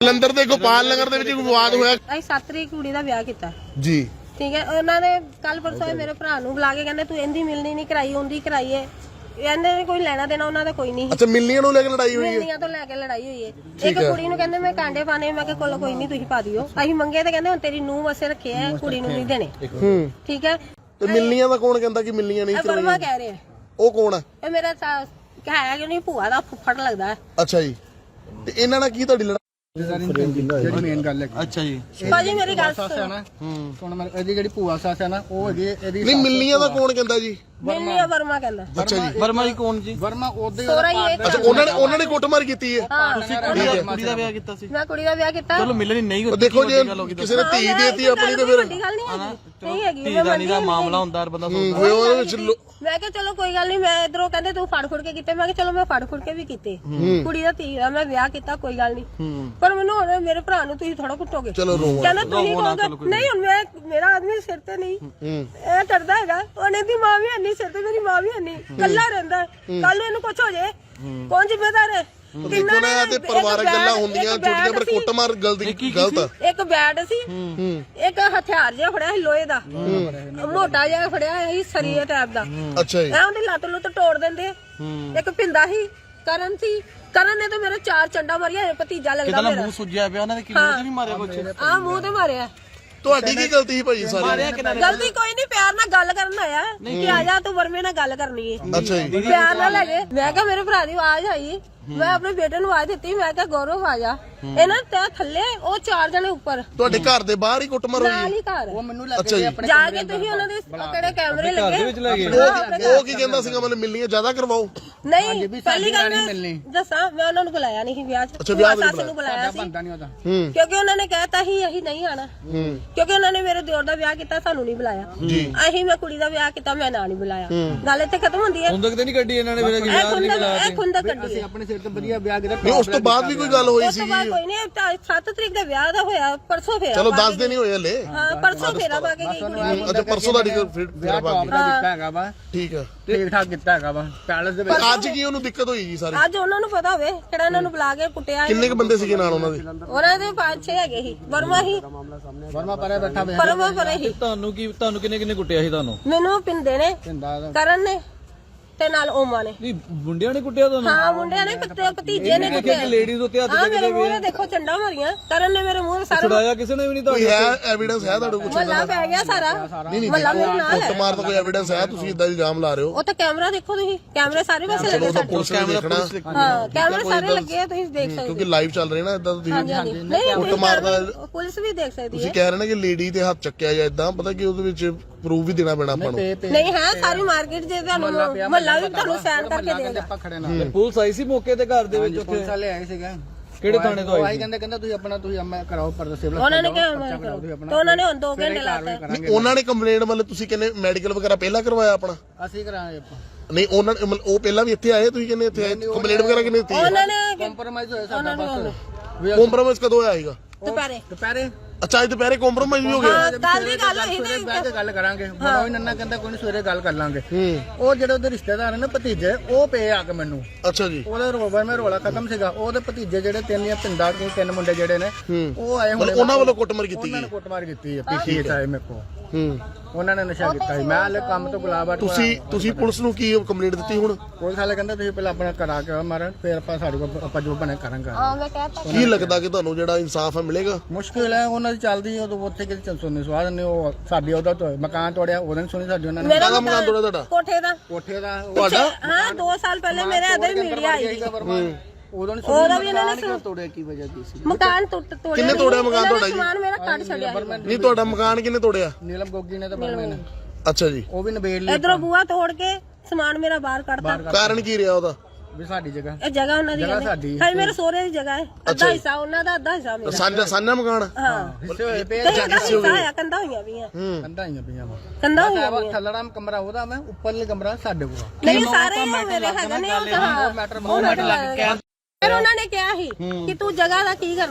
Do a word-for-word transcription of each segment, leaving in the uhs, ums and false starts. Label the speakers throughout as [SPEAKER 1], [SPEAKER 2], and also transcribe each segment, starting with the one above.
[SPEAKER 1] ਜਲੰਧਰ ਦੇ ਗੋਪਾਲ ਨਗਰ ਦੇ ਵਿੱਚ ਵਿਵਾਦ ਹੋਇਆ।
[SPEAKER 2] ਅਸੀਂ ਸੱਤ ਤਰੀਕ ਕੁੜੀ ਦਾ ਵਿਆਹ ਕੀਤਾ
[SPEAKER 1] ਜੀ,
[SPEAKER 2] ਠੀਕ ਹੈ। ਉਹਨਾਂ ਨੇ ਕੱਲ ਪਰਸੋਂ ਮੇਰੇ ਭਰਾ ਨੂੰ ਬੁਲਾ ਕੇ ਕਹਿੰਦੇ ਤੂੰ ਇਹਦੀ ਮਿਲਣੀ ਨਹੀਂ ਕਰਾਈ, ਉਹਦੀ ਕਰਾਈ ਏ। ਇਹਨਾਂ ਨੇ ਕੋਈ ਲੈਣਾ ਦੇਣਾ ਉਹਨਾਂ ਦਾ ਕੋਈ ਨਹੀਂ।
[SPEAKER 1] ਅੱਛਾ, ਮਿਲਣੀਆਂ ਨੂੰ ਲੈ ਕੇ ਲੜਾਈ ਹੋਈ ਹੈ?
[SPEAKER 2] ਮਿਲਣੀਆਂ ਤੋਂ ਲੈ ਕੇ ਲੜਾਈ ਹੋਈ ਹੈ। ਇੱਕ ਕੁੜੀ ਨੂੰ ਕਹਿੰਦੇ ਮੈਂ ਕਾਂਡੇ ਪਾਣੇ, ਮੈਂ ਕਿਹਾ ਕੋਲ ਕੋਈ ਨਹੀਂ ਤੁਸੀਂ ਪਾ ਦਿਓ। ਅਸੀਂ ਮੰਗੇ ਤੇ ਕਹਿੰਦੇ ਹੁਣ ਤੇਰੀ ਨੂੰਹ ਵਸੇ ਰੱਖੇ ਆ, ਕੁੜੀ ਨੂੰ ਨਹੀਂ ਦੇਣੇ।
[SPEAKER 1] ਹੂੰ,
[SPEAKER 2] ਠੀਕ ਹੈ।
[SPEAKER 1] ਤੇ ਮਿਲਣੀਆਂ ਦਾ ਕੌਣ ਕਹਿੰਦਾ ਕਿ ਮਿਲਣੀਆਂ ਨਹੀਂ
[SPEAKER 2] ਕਰਵਾਈਆਂ? ਵਰਮਾ ਕਹਿ ਰਿਹਾ।
[SPEAKER 1] ਉਹ ਕੌਣ ਹੈ?
[SPEAKER 2] ਇਹ ਮੇਰਾ ਹੈ ਕਿ ਨਹੀਂ ਭੂਆ ਦਾ ਫੁੱਫੜ ਲੱਗਦਾ ਹੈ।
[SPEAKER 1] ਅੱਛਾ ਜੀ, ਤੇ ਇਹਨਾਂ ਨਾਲ ਕੀ ਤੁਹਾਡੀ ਲੜਾਈ?
[SPEAKER 3] ਜਿਹੜੀ ਮੇਨ ਗੱਲ ਹੈ। ਅੱਛਾ ਜੀ,
[SPEAKER 2] ਭਾਜੀ ਮੇਰੀ ਗੱਲ ਸੁਣੋ।
[SPEAKER 3] ਹੂੰ, ਹੁਣ ਮੈਂ ਇਹਦੀ ਜਿਹੜੀ ਭੂਆ ਸੱਸ ਹੈ ਨਾ, ਉਹ ਹੈਗੀ ਇਹਦੀ।
[SPEAKER 1] ਨਹੀਂ, ਮਿਲਣੀਆਂ ਦਾ ਕੌਣ ਕਹਿੰਦਾ ਜੀ?
[SPEAKER 2] ਮਿਲਣੀਆਂ ਵਰਮਾ ਕਹਿੰਦਾ।
[SPEAKER 1] ਅੱਛਾ ਜੀ,
[SPEAKER 3] ਵਰਮਾ ਜੀ ਕੌਣ ਜੀ? ਵਰਮਾ ਉਹਦੇ
[SPEAKER 2] ਸੋਹਰਾ ਹੀ ਹੈ।
[SPEAKER 1] ਅੱਛਾ, ਉਹਨਾਂ ਨੇ ਉਹਨਾਂ ਨੇ ਕੁੱਟਮਾਰ ਕੀਤੀ ਹੈ।
[SPEAKER 3] ਤੁਸੀਂ ਕੁੜੀ ਦਾ ਵਿਆਹ ਕੀਤਾ ਸੀ?
[SPEAKER 2] ਮੈਂ ਕੁੜੀ ਦਾ ਵਿਆਹ ਕੀਤਾ।
[SPEAKER 3] ਚਲੋ ਮਿਲਣੀ ਨਹੀਂ
[SPEAKER 1] ਉਹ ਦੇਖੋ ਜੇ ਕਿਸੇ ਨੇ ਧੀ ਦੇਤੀ ਆਪਣੀ ਤੇ ਫਿਰ
[SPEAKER 2] ਵੱਡੀ ਗੱਲ ਨਹੀਂ ਹੈਗੀ। ਨਹੀਂ ਹੈਗੀ।
[SPEAKER 3] ਧੀ ਦਾ ਨਹੀਂ ਦਾ ਮਾਮਲਾ ਹੁੰਦਾ, ਬੰਦਾ ਸੋਚਦਾ
[SPEAKER 1] ਉਹਦੇ ਵਿੱਚ
[SPEAKER 2] ਮੈਂ ਕਿਹਾ ਚਲੋ ਕੋਈ ਗੱਲ ਨਹੀਂ। ਮੈਂ ਇਧਰੋਂ ਕਹਿੰਦੇ ਤੂੰ ਫੜ ਫੁੜ ਕੇ ਕੀਤੇ, ਮੈਂ ਕਿਹਾ ਚਲੋ ਮੈਂ ਫੜ ਫੁੜ ਕੇ ਵੀ ਕੀਤੇ। ਕੁੜੀ ਦਾ ਧੀ ਦਾ ਮੈਂ ਵਿਆਹ ਕੀਤਾ, ਕੋਈ ਗੱਲ ਨਹੀਂ। ਪਰ ਮੈਨੂੰ ਹੁਣ ਮੇਰੇ ਭਰਾ ਨੂੰ ਤੁਸੀਂ ਥੋੜਾ ਕੁੱਟੋਗੇ।
[SPEAKER 1] ਚਲੋ ਰੋ
[SPEAKER 2] ਕਹਿੰਦਾ ਤੁਸੀਂ ਕਹੋਗੇ ਨਹੀਂ। ਹੁਣ ਮੈਂ ਮੇਰਾ ਆਦਮੀ ਸਿਰ ਤੇ ਨਹੀਂ ਇਹ ਕਰਦਾ ਹੈਗਾ। ਉਹਨੇ ਦੀ ਮਾਂ ਵੀ ਨਹੀਂ ਸਿਰ ਤੇ, ਮੇਰੀ ਮਾਂ ਵੀ ਨਹੀਂ, ਕੱਲਾ ਰਹਿੰਦਾ। ਕੱਲ ਨੂੰ ਇਹਨੂੰ ਕੁਛ ਹੋ ਜਾਏ ਕੌਣ ਜ਼ਿੰਮੇਦਾਰ ਹੈ?
[SPEAKER 1] ਦੇਖੋ ਨਾ, ਤੇ ਪਰਿਵਾਰਕ ਗੱਲਾਂ ਹੁੰਦੀਆਂ ਛੋਟੀਆਂ, ਪਰ ਕੁੱਟਮਾਰ ਗਲਤੀ ਗਲਤ ਆ।
[SPEAKER 2] ਇੱਕ ਬੈਟ ਸੀ, ਇੱਕ ਹਥਿਆਰ ਜਿਹਾ ਫੜਿਆ ਸੀ ਲੋਹੇ ਦਾ, ਮੋਟਾ ਜਿਹਾ ਫੜਿਆ ਸੀ ਸਰੀਏ ਟਾਈਪ ਦਾ।
[SPEAKER 1] ਅੱਛਾ ਜੀ,
[SPEAKER 2] ਐ ਉਹਦੀ ਲੱਤ ਲੁੱਤ ਤੋੜ ਦਿੰਦੇ। ਇੱਕ ਪਿੰਦਾ ਸੀ, ਕਰਨ ਸੀ। ਕਰਨ ਨੇ ਤਾਂ ਮੇਰੇ ਚਾਰ ਚੰਡਾ ਮਾਰੀਆਂ। ਭਤੀਜਾ ਲੱਗਦਾ ਮੇਰਾ।
[SPEAKER 3] ਮੂੰਹ ਸੁੱਜਿਆ ਪਿਆ ਉਹਨਾਂ ਦੇ, ਕਿਵੇਂ ਨਹੀਂ ਮਾਰਿਆ ਕੁਛ?
[SPEAKER 2] ਆ ਮੂੰਹ ਤੇ ਮਾਰਿਆ।
[SPEAKER 1] ਤੁਹਾਡੀ ਕੀ ਗਲਤੀ ਸੀ ਭਾਜੀ? ਸਾਰੀ
[SPEAKER 2] ਗਲਤੀ ਕੋਈ ਨਹੀਂ, ਪਿਆਰ ਨਾਲ ਗੱਲ ਕਰਨ ਆਇਆ ਕਿ ਆ ਜਾ ਤੂੰ ਵਰਮੇ ਨਾਲ ਗੱਲ ਕਰਨੀ ਹੈ।
[SPEAKER 1] ਅੱਛਾ ਜੀ,
[SPEAKER 2] ਪਿਆਰ ਨਾਲ ਲੈ ਗਏ। ਮੈਂ ਕਿਹਾ ਮੇਰੇ ਭਰਾ ਦੀ ਆਵਾਜ਼ ਆਈ, ਮੈਂ ਆਪਣੇ ਬੇਟੇ ਨੂੰ ਆਵਾਜ਼ ਦਿੱਤੀ, ਮੈਂ ਕਿਹਾ ਗੌਰਵ ਆ ਜਾ। ਇਹਨਾਂ ਤੇ ਥੱਲੇ ਉਹ ਚਾਰ ਜਣੇ ਉੱਪਰ,
[SPEAKER 1] ਤੁਹਾਡੇ ਘਰ ਦੇ ਬਾਹਰ ਹੀ ਕੁੱਟਮਾਰ ਹੋਈ
[SPEAKER 2] ਨਾਲ
[SPEAKER 1] ਹੈ?
[SPEAKER 2] ਹੀ ਘਰ।
[SPEAKER 3] ਉਹ ਮੈਨੂੰ
[SPEAKER 1] ਅੱਛਾ ਜੀ,
[SPEAKER 2] ਜਾ ਕੇ ਤੁਸੀਂ ਉਹਨਾਂ ਦੇ ਕਿਹੜੇ ਕੈਮਰੇ ਲੱਗੇ?
[SPEAKER 1] ਉਹ ਕੀ ਕਹਿੰਦਾ ਸੀਗਾ ਮਤਲਬ ਮਿਲਣੀਆਂ ਜ਼ਿਆਦਾ ਕਰਵਾਓ?
[SPEAKER 2] ਨਹੀਂ, ਪਹਿਲੀ ਗੱਲ ਮੈਂ ਦੱਸਾਂ, ਮੈਂ ਉਹਨਾਂ ਨੂੰ ਬੁਲਾਇਆ ਨਹੀਂ ਸੀ ਵਿਆਹ 'ਚ।
[SPEAKER 1] ਅੱਛਾ, ਵਿਆਹ
[SPEAKER 2] ਸੱਸ ਨੂੰ ਬੁਲਾਇਆ ਸੀ
[SPEAKER 1] ਹੂੰ,
[SPEAKER 2] ਕਿਉਂਕਿ ਉਹਨਾਂ ਨੇ ਕਹਿਤਾ ਸੀ ਅਸੀਂ ਨਹੀਂ ਆਣਾ। ਕਿਉਂਕਿ ਉਹਨਾਂ ਨੇ ਮੇਰੇ ਦਿਓਰ ਦਾ ਵਿਆਹ ਕੀਤਾ, ਸਾਨੂੰ ਨਹੀਂ ਬੁਲਾਇਆ। ਅਸੀਂ ਮੈਂ ਕੁੜੀ ਦਾ ਵਿਆਹ ਕੀਤਾ, ਮੈਂ ਨਾ ਨਹੀਂ ਬੁਲਾਇਆ। ਗੱਲ ਇੱਥੇ ਖਤਮ ਹੁੰਦੀ ਹੈ।
[SPEAKER 3] ਖੁੰਦਕ ਤੇ ਨਹੀਂ ਕੱਢੀ ਇਹਨਾਂ ਨੇ?
[SPEAKER 2] ਇਹ ਖੁੰਦਕ ਕੱਢੀ
[SPEAKER 3] ਆਪਣੇ ਸਿਰ ਤੇ ਵਧੀਆ ਵਿਆਹ ਕੀਤਾ।
[SPEAKER 1] ਨਹੀਂ ਉਸ ਤੋਂ ਬਾਅਦ ਵੀ ਕੋਈ ਗੱਲ ਹੋਈ ਸੀ?
[SPEAKER 2] ਕੋਈ ਨਹੀਂ, ਸੱਤ ਤਰੀਕ ਦਾ ਵਿਆਹ ਦਾ ਹੋਇਆ, ਪਰਸੋਂ ਫੇਰਾ।
[SPEAKER 1] ਚਲੋ ਦਸ ਦਿਨ ਹੀ ਹੋਏ ਹਲੇ।
[SPEAKER 2] ਹਾਂ, ਪਰਸੋਂ ਫੇਰਾ ਪਾ ਕੇ ਗਈ ਕੁੜੀ।
[SPEAKER 1] ਅੱਛਾ, ਪਰਸੋਂ ਦਾ ਫੇਰਾ ਪਾ ਕੇ
[SPEAKER 3] ਕੀਤਾ ਹੈਗਾ ਵਾ।
[SPEAKER 1] ਠੀਕ ਹੈ,
[SPEAKER 3] ਠੀਕ ਠਾਕ ਕੀਤਾ ਹੈਗਾ ਵਾ ਪੈਲਸ ਦੇ ਵਿੱਚ।
[SPEAKER 1] ਅੱਜ ਕੀ ਉਹਨੂੰ ਦਿੱਕਤ ਹੋਈ ਜੀ ਸਾਰੀ?
[SPEAKER 2] ਅੱਜ ਉਹਨਾਂ ਨੂੰ ਪਤਾ ਹੋਵੇ ਕਿਹੜਾ ਇਹਨਾਂ ਨੂੰ ਬੁਲਾ ਕੇ ਕੁੱਟਿਆ।
[SPEAKER 1] ਕਿੰਨੇ ਕ ਬੰਦੇ ਸੀਗੇ ਨਾਲ ਉਹਨਾਂ ਦੇ?
[SPEAKER 2] ਉਹਨਾਂ ਦੇ ਪੰਜ ਛੇ ਹੈਗੇ ਸੀ। ਵਰਮਾ ਹੀ
[SPEAKER 3] ਵਰਮਾ ਪਰੇ ਬੈਠਾ ਹੋਇਆ।
[SPEAKER 2] ਵਰਮਾ ਪਰੇ ਹੀ।
[SPEAKER 3] ਤੁਹਾਨੂੰ ਕੀ ਤੁਹਾਨੂੰ ਕਿੰਨੇ ਕਿੰਨੇ ਕੁੱਟਿਆ ਸੀ ਤੁਹਾਨੂੰ?
[SPEAKER 2] ਮੈਨੂੰ ਪਿੰਦੇ ਨੇ, ਕਰਨ ਨੇ ਤੇ ਨਾਲ ਓਮਾ ਨੇ।
[SPEAKER 3] ਨਹੀਂ, ਮੁੰਡਿਆਂ ਨੇ ਕੁੱਟਿਆ ਤੁਹਾਨੂੰ?
[SPEAKER 2] ਹਾਂ, ਮੁੰਡਿਆਂ ਨੇ, ਭਤੀਜੇ ਨੇ ਕੁੱਟਿਆ।
[SPEAKER 3] ਲੇਡੀਜ਼ ਉੱਤੇ ਹੱਥ
[SPEAKER 2] ਹਾਂ, ਮੇਰੇ ਮੂੰਹ ਤੇ ਦੇਖੋ ਚੰਡਾ ਮਾਰੀਆਂ। ਕਰਨ ਨੇ ਮੇਰੇ ਮੂੰਹ ਤੇ ਸਾਰਾ
[SPEAKER 3] ਛੁਡਾਇਆ ਕਿਸੇ ਨੇ ਵੀ ਨਹੀਂ?
[SPEAKER 1] ਕੋਈ ਹੈ ਐਵੀਡੈਂਸ ਹੈ ਤੁਹਾਡੇ ਕੋਲ?
[SPEAKER 2] ਮੱਲਾ ਪੈ ਗਿਆ ਸਾਰਾ। ਮੱਲਾ ਮੇਰੇ ਨਾਲ ਹੈ।
[SPEAKER 1] ਕੁੱਟਮਾਰ ਦਾ ਕੋਈ ਐਵੀਡੈਂਸ ਹੈ? ਤੁਸੀਂ ਇਦਾਂ ਇਲਜ਼ਾਮ ਲਾ ਰਹੇ ਹੋ?
[SPEAKER 2] ਉਹ ਤਾਂ ਕੈਮਰਾ ਦੇਖੋ ਤੁਸੀਂ, ਕੈਮਰੇ ਸਾਰੇ ਪਾਸੇ ਲੱਗੇ ਸਾਡੇ।
[SPEAKER 1] ਪੁਲਿਸ ਨੇ ਦੇਖਣਾ।
[SPEAKER 2] ਹਾਂ, ਕੈਮਰੇ ਸਾਰੇ ਲੱਗੇ ਆ, ਤੁਸੀਂ ਦੇਖ ਸਕਦੇ
[SPEAKER 1] ਕਿਉਂਕਿ ਲਾਈਵ ਚੱਲ ਰਿਹਾ ਨਾ ਇਦਾਂ। ਤੁਸੀਂ
[SPEAKER 2] ਨਹੀਂ,
[SPEAKER 1] ਕੁੱਟਮਾਰ ਦਾ
[SPEAKER 2] ਪੁਲਿਸ ਵੀ ਦੇਖ ਸਕਦੀ ਹੈ।
[SPEAKER 1] ਤੁਸੀਂ ਕਹਿ ਰਹੇ ਨੇ ਕਿ ਲੇਡੀ ਤੇ ਹੱਥ ਚੱਕਿਆ ਜਾਂ ਇਦਾਂ, ਪਤਾ ਕਿ ਉਹਦੇ ਵਿੱਚ ਪ੍ਰੂਫ ਵੀ ਦੇਣਾ ਪੈਣਾ ਆਪਾਂ ਨੂੰ।
[SPEAKER 2] ਨਹੀਂ ਹੈ, ਸਾਰੀ ਮਾਰਕੀਟ ਜੇ ਤੁਹਾਨੂੰ ਮਹੱਲਾ ਵੀ ਤੁਹਾਨੂੰ ਸਾਈਨ ਕਰਕੇ ਦੇਗਾ।
[SPEAKER 3] ਪੁਲਿਸ ਆਈ ਸੀ ਮੌਕੇ ਤੇ ਘਰ ਦੇ ਵਿੱਚ? ਉੱਥੇ
[SPEAKER 4] ਪੁਲਿਸ ਵਾਲੇ ਆਏ ਸੀਗੇ।
[SPEAKER 3] ਕਿਹੜੇ ਥਾਣੇ ਤੋਂ ਆਏ?
[SPEAKER 4] ਕਹਿੰਦੇ ਕਹਿੰਦਾ ਤੁਸੀਂ ਆਪਣਾ ਤੁਸੀਂ ਅੰਮਾ ਕਰਾਓ ਪਰਦਾ ਸਿਵਲ।
[SPEAKER 2] ਉਹਨਾਂ ਨੇ ਕਿਹਾ ਮੈਂ ਕਰਾਓ, ਤੇ ਉਹਨਾਂ ਨੇ ਹੁਣ ਦੋ ਘੰਟੇ ਲਾਤਾ।
[SPEAKER 1] ਨਹੀਂ, ਉਹਨਾਂ ਨੇ ਕੰਪਲੇਂਟ ਮਤਲਬ ਤੁਸੀਂ ਕਹਿੰਦੇ ਮੈਡੀਕਲ ਵਗੈਰਾ ਪਹਿਲਾਂ ਕਰਵਾਇਆ ਆਪਣਾ?
[SPEAKER 4] ਅਸੀਂ ਕਰਾਂਗੇ।
[SPEAKER 1] ਨਹੀਂ, ਉਹਨਾਂ ਨੇ ਉਹ ਪਹਿਲਾਂ ਵੀ ਇੱਥੇ ਆਏ, ਤੁਸੀਂ ਕਹਿੰਦੇ ਇੱਥੇ ਆਏ, ਕੰਪਲੇਂਟ ਵਗੈਰਾ ਕਿੰਨੇ ਦਿੱਤੀ?
[SPEAKER 2] ਉਹਨਾਂ ਨੇ
[SPEAKER 4] ਕੰਪਰੋਮਾਈਜ਼ ਹੋਇਆ ਸਾਡਾ ਬਸ।
[SPEAKER 1] ਕੰਪਰੋਮਾਈਜ਼ ਕਦੋਂ ਹੋਇਆ ਸੀਗਾ?
[SPEAKER 2] ਦੁਪਹਿਰੇ
[SPEAKER 4] ਦੁਪਹਿਰੇ।
[SPEAKER 1] ਅੱਛਾ, ਅੱਜ ਦੁਪਹਿਰੇ ਕੰਪਰੋਮਾਈਜ਼ ਵੀ ਹੋ ਗਿਆ?
[SPEAKER 2] ਕੱਲ ਦੀ ਗੱਲ ਹੋਈ
[SPEAKER 4] ਸਵੇਰੇ
[SPEAKER 2] ਸੀ।
[SPEAKER 4] ਬਹਿ ਕੇ ਗੱਲ ਕਰਾਂਗੇ। ਬੜਾ ਨੰਨਾ ਕਹਿੰਦਾ ਕੋਈ ਨਹੀਂ, ਸਵੇਰੇ ਗੱਲ ਕਰ ਲਾਂਗੇ। ਉਹ ਜਿਹੜੇ ਉਹਦੇ ਰਿਸ਼ਤੇਦਾਰ ਨੇ ਭਤੀਜੇ, ਉਹ ਪਏ ਆ ਕੇ ਮੈਨੂੰ।
[SPEAKER 1] ਅੱਛਾ ਜੀ,
[SPEAKER 4] ਉਹਦੇ ਰੋਵਰ ਮੇ ਰੋਲਾ ਖਤਮ ਸੀਗਾ। ਉਹਦੇ ਭਤੀਜੇ ਜਿਹੜੇ ਤਿੰਨ ਜਾਂ ਪਿੰਡਾ ਕੋਈ ਤਿੰਨ ਮੁੰਡੇ ਜਿਹੜੇ ਨੇ, ਉਹ ਆਏ ਹੁਣ।
[SPEAKER 1] ਉਹਨਾਂ ਵੱਲੋਂ ਕੁੱਟਮਾਰ ਕੀਤੀ
[SPEAKER 4] ਉਹਨਾਂ ਨੇ ਕੁੱਟਮਾਰ ਕੀਤੀ ਹੈ। ਪੀਸੀ ਆਏ ਮੇਰੇ ਕੋਲ।
[SPEAKER 1] ਹੂੰ,
[SPEAKER 4] ਉਹਨਾਂ ਨੇ ਨਸ਼ਾ ਕੀਤਾ ਸੀ। ਮੈਂ ਹਲੇ ਕੰਮ ਤੋਂ ਗੁਲਾਬਾ।
[SPEAKER 1] ਤੁਸੀਂ ਤੁਸੀਂ ਪੁਲਿਸ ਨੂੰ ਕੀ ਕੰਪਲੇਂਟ ਦਿੱਤੀ ਹੁਣ?
[SPEAKER 4] ਪੁਲਿਸ ਵਾਲੇ ਕਹਿੰਦਾ ਤੁਸੀਂ ਪਹਿਲਾਂ ਆਪਣਾ ਕਰਾ ਕੇ ਆਓ ਮਾਰਨ, ਫਿਰ ਆਪਾਂ ਸਾਡੇ ਕੋਲ ਆਪਾਂ ਜੋ ਬਣੇ ਕਰਾਂਗੇ।
[SPEAKER 2] ਹਾਂ, ਮੈਂ ਕਹਿਤਾ।
[SPEAKER 1] ਕੀ ਲੱਗਦਾ ਕਿ ਤੁਹਾਨੂੰ ਜਿਹੜਾ ਇਨਸਾਫ ਹੈ ਮਿਲੇਗਾ?
[SPEAKER 4] ਮੁਸ਼ਕਿਲ ਹੈ, ਉਹਨਾਂ ਦੀ ਚੱਲਦੀ ਉਦੋਂ ਉੱਥੇ ਕਿਤੇ ਸੁਣਨੀ ਸਵਾਦ ਨਹੀਂ। ਉਹ ਸਾਡੀ ਉਹਦਾ ਤੋਂ ਮਕਾਨ ਤੋੜਿਆ, ਉਹਦੇ ਨੇ ਸੁਣੀ ਸਾਡੀ ਉਹਨਾਂ ਨੇ।
[SPEAKER 2] ਮੇਰਾ
[SPEAKER 1] ਮਕਾਨ ਤੋੜਿਆ ਤੁਹਾਡਾ?
[SPEAKER 2] ਕੋਠੇ ਦਾ।
[SPEAKER 4] ਕੋਠੇ ਦਾ
[SPEAKER 1] ਤੁਹਾਡਾ?
[SPEAKER 2] ਹਾਂ, ਦੋ ਸਾਲ ਪਹਿਲੇ ਮੇਰੇ ਅਦਰ ਮੀਡੀਆ ਆਈ ਸੀ।
[SPEAKER 4] ਉਦੋਂ ਨਹੀਂ
[SPEAKER 2] ਉਹਦਾ ਵੀ ਇਹਨਾਂ ਨੇ
[SPEAKER 4] ਤੋੜਿਆ। ਕੀ ਵਜ੍ਹਾ ਕੀ ਸੀ?
[SPEAKER 2] ਮਕਾਨ ਟੁੱਟ ਤੋੜਿਆ।
[SPEAKER 1] ਕਿੰਨੇ ਤੋੜਿਆ ਮਕਾਨ ਤੁਹਾਡਾ ਜੀ?
[SPEAKER 2] ਸਮਾਨ ਮੇਰਾ ਕੱਢ ਛੱਡਿਆ।
[SPEAKER 1] ਨਹੀਂ, ਤੁਹਾਡਾ ਮਕਾਨ ਕਿੰਨੇ ਤੋੜਿਆ?
[SPEAKER 4] ਨੀਲਮ ਗੋਗੀ ਨੇ ਤਾਂ ਬਰਮੇ ਨੇ।
[SPEAKER 1] ਅੱਛਾ ਜੀ,
[SPEAKER 4] ਉਹ ਵੀ ਨਵੇੜ ਲਈ।
[SPEAKER 2] ਇਧਰੋਂ ਬੂਆ ਤੋੜ ਕੇ ਸਮਾਨ ਮੇਰਾ ਬਾਹਰ ਕੱਢਤਾ।
[SPEAKER 1] ਕਾਰਨ ਕੀ ਰਿਹਾ ਉਹਦਾ?
[SPEAKER 4] ਵੀ ਸਾਡੀ ਜਗ੍ਹਾ।
[SPEAKER 2] ਇਹ ਜਗ੍ਹਾ ਉਹਨਾਂ ਦੀ
[SPEAKER 4] ਸਾਡੀ
[SPEAKER 2] ਹੈ, ਮੇਰੇ ਸਹੁਰੇ ਦੀ ਜਗ੍ਹਾ ਹੈ। ਅੱਧਾ ਹਿੱਸਾ ਉਹਨਾਂ ਦਾ, ਅੱਧਾ ਹਿੱਸਾ ਮੇਰਾ।
[SPEAKER 1] ਸਾਂਝਾ ਸਾਂਝਾ ਮਕਾਨ?
[SPEAKER 2] ਹਾਂ,
[SPEAKER 4] ਹਿੱਸੇ ਹੋਏ ਪਏ।
[SPEAKER 2] ਕੰਧਾਂ ਹੋਈਆਂ ਪਈਆਂ।
[SPEAKER 4] ਕੰਧਾਂ ਆਈਆਂ ਪਈਆਂ ਵਾ।
[SPEAKER 2] ਕੰਧਾਂ ਹੋਈਆਂ ਪਈਆਂ।
[SPEAKER 4] ਥੱਲੜਾ ਕਮਰਾ ਉਹਦਾ, ਮੈਂ ਉੱਪਰਲੇ ਕਮਰਾ ਸਾਡੇ ਕੋਲ।
[SPEAKER 2] ਨਹੀਂ, ਸਾਰੇ ਮੇਰੇ ਹੈਗੇ ਨੇ। ਉਹ ਮੈਟਰ ਬਹੁਤ ਮੈਟਰ ਲੱਗ ਗਿਆ। ਫਿਰ ਉਹਨਾਂ ਨੇ ਕਿਹਾ ਸੀ ਕਿ ਤੂੰ ਜਗ੍ਹਾ ਦਾ ਕੀ ਕਰਨਾ ਹੈ।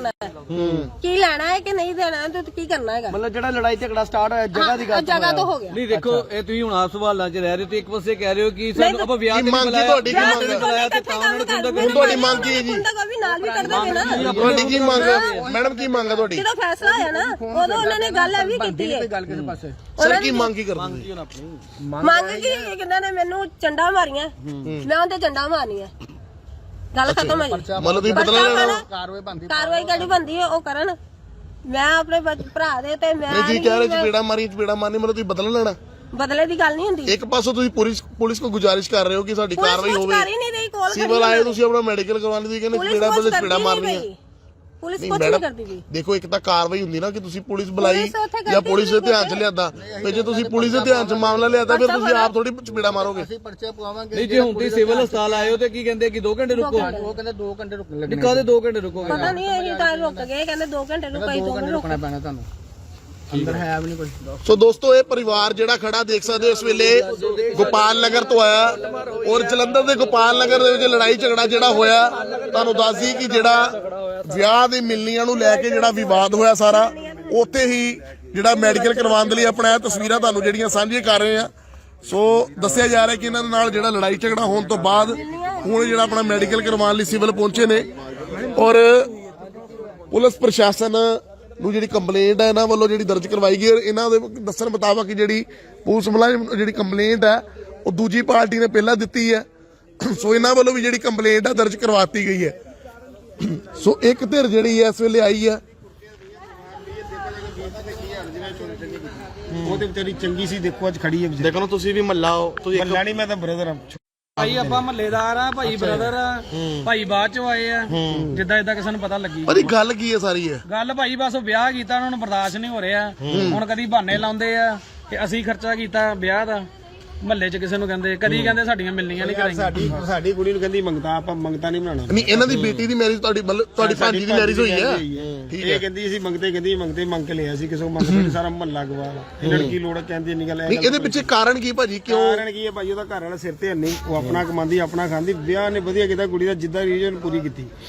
[SPEAKER 2] ਕੀ ਲੈਣਾ ਹੈ ਕਿ ਨਹੀਂ ਦੇਣਾ ਤੇ ਕੀ ਕਰਨਾ ਹੈਗਾ।
[SPEAKER 3] ਮਤਲਬ ਜਿਹੜਾ ਲੜਾਈ ਝਗੜਾ ਸਟਾਰਟ ਹੋਇਆ ਜਗ੍ਹਾ ਦੀ ਗੱਲ
[SPEAKER 2] ਜਗ੍ਹਾ ਤੋਂ ਹੋ ਗਿਆ।
[SPEAKER 5] ਨਹੀਂ ਦੇਖੋ ਇਹ ਤੁਸੀਂ ਹੁਣ ਆਪ ਸਵਾਲਾਂ 'ਚ ਰਹਿ ਰਹੇ ਹੋ ਤੇ ਇੱਕ ਪਾਸੇ ਕਹਿ ਰਹੇ ਹੋ ਕਿ ਸਾਨੂੰ ਆਪਾਂ ਵਿਆਹ ਤੇ
[SPEAKER 1] ਕੀ ਮੰਗ ਕੀ ਤੁਹਾਡੀ ਕੀ
[SPEAKER 2] ਵਿਆਹ
[SPEAKER 1] ਮੰਗ
[SPEAKER 2] ਤੇ
[SPEAKER 1] ਹੈ?
[SPEAKER 2] ਬੁਲਾਇਆ ਤੇ ਤਾਂ ਉਹਨਾਂ ਨੂੰ
[SPEAKER 1] ਹੁਣ ਤੁਹਾਡੀ ਮੰਗ ਕੀ ਹੈ ਜੀ?
[SPEAKER 2] ਮੁੰਡਾ ਵੀ ਨਾਲ ਵੀ ਕਰ ਦੋਗੇ ਨਾ।
[SPEAKER 1] ਤੁਹਾਡੀ ਕੀ ਮੰਗ ਹੈ ਮੈਡਮ, ਕੀ ਮੰਗ ਹੈ ਤੁਹਾਡੀ?
[SPEAKER 2] ਜਦੋਂ ਫੈਸਲਾ ਹੋਇਆ ਨਾ ਉਦੋਂ ਉਹਨਾਂ ਨੇ ਗੱਲ ਇਹ ਵੀ ਕੀਤੀ ਹੈ।
[SPEAKER 3] ਗੱਲ ਕਿਸੇ ਪਾਸੇ
[SPEAKER 1] ਸਰ ਕੀ ਮੰਗ ਕੀ ਕਰਦੇ ਜੀ?
[SPEAKER 2] ਮੰਗ ਕੀ ਇਹ ਕਿੰਨਾਂ ਨੇ ਮੈਨੂੰ ਚੰਡਾ ਮਾਰੀਆਂ, ਮੈਂ ਉਹਦੇ ਚੰਡਾ ਮਾਰਨੀਆਂ, ਗੱਲ ਖਤਮ ਹੈ ਜੀ।
[SPEAKER 1] ਮਤਲਬ ਤੁਸੀਂ ਬਦਲਾ ਲੈਣਾ?
[SPEAKER 3] ਕਾਰਵਾਈ ਬੰਦੀ
[SPEAKER 2] ਕਾਰਵਾਈ ਕਿਹੜੀ ਬੰਦੀ ਹੈ ਉਹ ਕਰਨ। ਮੈਂ ਆਪਣੇ ਬੱਚ- ਭਰਾ ਦੇ ਤੇ ਮੈਂ
[SPEAKER 1] ਨਹੀਂ ਜੀ ਕਹਿ ਰਹੇ ਚਪੇੜਾ ਮਾਰੀ ਚਪੇੜਾ ਮਾਰਨੀ, ਮਤਲਬ ਤੁਸੀਂ ਬਦਲਾ ਲੈਣਾ?
[SPEAKER 2] ਬਦਲੇ ਦੀ ਗੱਲ ਨਹੀਂ ਹੁੰਦੀ।
[SPEAKER 1] ਇੱਕ ਪਾਸੋਂ ਤੁਸੀਂ ਪੁਲਿਸ ਪੁਲਿਸ ਕੋ ਗੁਜ਼ਾਰਿਸ਼ ਕਰ ਰਹੇ ਹੋ ਕਿ ਸਾਡੀ
[SPEAKER 2] ਪੁਲਿਸ
[SPEAKER 1] ਕਾਰਵਾਈ
[SPEAKER 2] ਕੁਛ
[SPEAKER 1] ਹੋਵੇ,
[SPEAKER 2] ਕਰ ਹੀ ਨਹੀਂ ਰਹੀ, ਕੋਲ
[SPEAKER 1] ਸਿਵਲ ਆਏ ਤੁਸੀਂ ਆਪਣਾ ਮੈਡੀਕਲ ਕਰਵਾਉਣ ਦੀ ਕਹਿੰਦੇ
[SPEAKER 2] ਪੁਲਿਸ
[SPEAKER 1] ਚਪੇੜਾ
[SPEAKER 2] ਕੁਛ
[SPEAKER 1] ਬਦਲੇ
[SPEAKER 2] ਕਰਦੀ
[SPEAKER 1] ਚਪੇੜਾ
[SPEAKER 2] ਨਹੀਂ
[SPEAKER 1] ਮਾਰਨੀਆਂ।
[SPEAKER 2] ਪਈ। ਪੁਲਿਸ
[SPEAKER 1] ਨਹੀਂ
[SPEAKER 2] ਕੁਛ ਨਹੀਂ
[SPEAKER 1] ਮੈਡਮ
[SPEAKER 2] ਕਰਦੀ ਵੀ।
[SPEAKER 1] ਦੇਖੋ ਇੱਕ ਤਾਂ ਕਾਰਵਾਈ ਹੁੰਦੀ ਨਾ ਕਿ ਤੁਸੀਂ ਪੁਲਿਸ ਬੁਲਾਈ
[SPEAKER 2] ਪੁਲਿਸ ਉੱਥੇ
[SPEAKER 1] ਜਾਂ
[SPEAKER 2] ਕਰਦੀ
[SPEAKER 1] ਪੁਲਿਸ ਦੇ
[SPEAKER 2] ਨਹੀਂ
[SPEAKER 1] ਧਿਆਨ ਚ ਲਿਆਦਾ, ਤੇ ਜੇ ਤੁਸੀਂ ਪੁਲਿਸ ਦੇ ਧਿਆਨ ਚ ਮਾਮਲਾ ਲਿਆਦਾ ਫਿਰ ਤੁਸੀਂ ਆਪ ਥੋੜੀ ਚਪੇੜਾ ਮਾਰੋਗੇ।
[SPEAKER 3] ਅਸੀਂ ਪਰਚੇ ਪਵਾਵਾਂਗੇ।
[SPEAKER 5] ਨਹੀਂ ਜੇ ਹੁਣ ਤੁਸੀਂ ਸਿਵਲ ਹਸਪਤਾਲ ਆਏ ਹੋ ਤੇ ਕੀ ਕਹਿੰਦੇ ਕਿ ਦੋ ਘੰਟੇ ਰੁਕੋ?
[SPEAKER 3] ਉਹ ਕਹਿੰਦੇ ਦੋ ਘੰਟੇ ਰੁਕਣ
[SPEAKER 5] ਨਹੀਂ
[SPEAKER 3] ਲੱਗਣੇ।
[SPEAKER 5] ਕਾਹਦੇ ਦੋ ਘੰਟੇ ਰੁਕੋਗੇ?
[SPEAKER 2] ਪਤਾ ਨਹੀਂ ਇਹ ਤਾਂ ਰੁਕ ਗਏ, ਕਹਿੰਦੇ ਦੋ ਘੰਟੇ ਰੁਕਾਈ, ਦੋ
[SPEAKER 3] ਦੋ
[SPEAKER 2] ਘੰਟੇ
[SPEAKER 3] ਘੰਟੇ
[SPEAKER 2] ਰੁਕ
[SPEAKER 3] ਰੁਕਣਾ ਪੈਣਾ ਤੁਹਾਨੂੰ। ਅੰਦਰ ਹੈ ਵੀ ਨਹੀਂ ਕੁਝ।
[SPEAKER 1] ਸੋ ਦੋਸਤੋ ਇਹ ਪਰਿਵਾਰ ਜਿਹੜਾ ਖੜਾ ਦੇਖ ਸਕਦੇ ਹੋ ਇਸ ਵੇਲੇ ਗੋਪਾਲ ਨਗਰ ਤੋਂ ਆਇਆ ਔਰ ਜਲੰਧਰ ਦੇ ਗੋਪਾਲ ਨਗਰ ਦੇ ਵਿੱਚ ਲੜਾਈ ਝਗੜਾ ਜਿਹੜਾ ਹੋਇਆ, ਤੁਹਾਨੂੰ ਦੱਸ ਦਈ ਕਿ ਜਿਹੜਾ ਵਿਆਹ ਦੀ ਮਿਲਨੀਆਂ ਨੂੰ ਲੈ ਕੇ ਜਿਹੜਾ ਵਿਵਾਦ ਹੋਇਆ ਸਾਰਾ, ਉੱਥੇ ਹੀ ਜਿਹੜਾ ਮੈਡੀਕਲ ਕਰਵਾਉਣ ਦੇ ਲਈ ਆਪਣਾ ਤਸਵੀਰਾਂ ਤੁਹਾਨੂੰ ਜਿਹੜੀਆਂ ਸਾਂਝੀਆਂ ਕਰ ਰਹੇ ਆ। ਸੋ ਦੱਸਿਆ ਜਾ ਰਿਹਾ ਕਿ ਇਹਨਾਂ ਦੇ ਨਾਲ ਜਿਹੜਾ ਲੜਾਈ ਝਗੜਾ ਹੋਣ ਤੋਂ ਬਾਅਦ ਹੁਣ ਜਿਹੜਾ ਆਪਣਾ ਮੈਡੀਕਲ ਕਰਵਾਉਣ ਲਈ ਸਿਵਲ ਪਹੁੰਚੇ ਨੇ ਔਰ ਪੁਲਿਸ ਪ੍ਰਸ਼ਾਸਨ ਨੂੰ ਜਿਹੜੀ ਕੰਪਲੇਂਟ ਹੈ ਇਹਨਾਂ ਵੱਲੋਂ ਜਿਹੜੀ ਦਰਜ ਕਰਵਾਈ ਗਈ, ਇਹਨਾਂ ਦੇ ਦੱਸਣ ਮੁਤਾਬਕ ਜਿਹੜੀ ਪੁਲਿਸ ਮੁਲਾਜ਼ਮ ਜਿਹੜੀ ਕੰਪਲੇਂਟ ਹੈ ਉਹ ਦੂਜੀ ਪਾਰਟੀ ਨੇ ਪਹਿਲਾਂ ਦਿੱਤੀ ਹੈ। ਸੋ ਇਹਨਾਂ ਵੱਲੋਂ ਵੀ ਜਿਹੜੀ ਕੰਪਲੇਂਟ ਹੈ ਦਰਜ ਕਰਵਾਤੀ ਗਈ ਹੈ। ਸੋ ਇੱਕ ਧਿਰ ਜਿਹੜੀ ਹੈ ਇਸ ਵੇਲੇ ਆਈ ਹੈ।
[SPEAKER 6] ਉਹ ਤੇ ਵਿਚਾਰੀ ਚੰਗੀ ਸੀ, ਦੇਖੋ ਅੱਜ ਖੜੀ ਹੈ ਵਿਚਾਰੀ।
[SPEAKER 1] ਦੇਖੋ ਤੁਸੀਂ ਵੀ ਮੱਲਾ ਹੋ, ਤੁਸੀਂ
[SPEAKER 6] ਮੱਲਾ ਨਹੀਂ, ਮੈਂ ਤਾਂ ਬ੍ਰਦਰ ਆ।
[SPEAKER 7] ਭਾਈ ਆਪਾਂ ਮਹੱਲੇਦਾਰ ਆ, ਭਾਈ ਬ੍ਰਦਰ ਆ, ਭਾਈ ਬਾਅਦ ਚੋਂ ਆਏ ਆ, ਜਿੱਦਾਂ ਜਿੱਦਾਂ ਕਿਸੇ ਨੂੰ ਪਤਾ ਲੱਗੀ
[SPEAKER 1] ਪਰ ਇਹ ਗੱਲ ਕੀ ਹੈ ਸਾਰੀ ਹੈ?
[SPEAKER 7] ਗੱਲ ਭਾਈ ਬਸ ਉਹ ਵਿਆਹ ਕੀਤਾ, ਉਹਨਾਂ ਨੂੰ ਬਰਦਾਸ਼ਤ ਨਹੀਂ ਹੋ ਰਿਹਾ। ਹੁਣ ਕਦੀ ਬਹਾਨੇ ਲਾਉਂਦੇ ਆ ਕਿ ਅਸੀਂ ਖਰਚਾ ਕੀਤਾ ਵਿਆਹ ਦਾ, ਮਹੱਲੇ 'ਚ ਕਿਸੇ ਨੂੰ ਕਹਿੰਦੇ, ਕਦੀ ਕਹਿੰਦੇ ਸਾਡੀਆਂ ਮਿਲਣੀਆਂ ਨਹੀਂ ਕਰਾਈਆਂ।
[SPEAKER 6] ਸਾਡੀ ਸਾਡੀ ਕੁੜੀ ਨੂੰ ਕਹਿੰਦੀ ਮੰਗਤਾ, ਆਪਾਂ ਮੰਗਤਾ ਨਹੀਂ ਬਣਾਉਣਾ।
[SPEAKER 1] ਨਹੀਂ ਇਹਨਾਂ ਦੀ ਬੇਟੀ ਦੀ ਮੈਰਿਜ ਤੁਹਾਡੀ ਮਤਲਬ ਤੁਹਾਡੀ ਭਾਜੀ ਦੀ ਮੈਰਿਜ ਹੋਈ ਹੈ?
[SPEAKER 6] ਠੀਕ ਹੈ। ਇਹ ਕਹਿੰਦੀ ਅਸੀਂ ਮੰਗਤੇ ਕਹਿੰਦੀ ਮੰਗਤੇ ਮੰਗ ਕੇ ਲਿਆ ਸੀ ਕਿਸੇ ਨੂੰ, ਮੰਗਤੇ ਸਾਰਾ ਮਹੱਲਾ ਗਵਾ। ਇਹਨਾਂ ਨੂੰ ਕੀ ਲੋੜ ਹੈ ਕਹਿੰਦੀ ਇੰਨੀ ਗੱਲ ਹੈ?
[SPEAKER 1] ਨਹੀਂ ਇਹਦੇ ਪਿੱਛੇ ਕਾਰਨ ਕੀ ਭਾਜੀ, ਕਿਉਂ?
[SPEAKER 6] ਕਾਰਨ ਕੀ ਹੈ ਭਾਈ? ਉਹਦਾ ਘਰ ਵਾਲਾ ਸਿਰ ਤੇ ਹੈ ਨਹੀਂ, ਉਹ ਆਪਣਾ ਕਮਾਉਂਦੀ ਆਪਣਾ ਖਾਂਦੀ। ਵਿਆਹ ਨੇ ਵਧੀਆ ਕੀਤਾ, ਕੁੜੀ ਦਾ ਜਿੱਦਾਂ ਰੀਜਨ ਪੂਰੀ ਕੀਤੀ।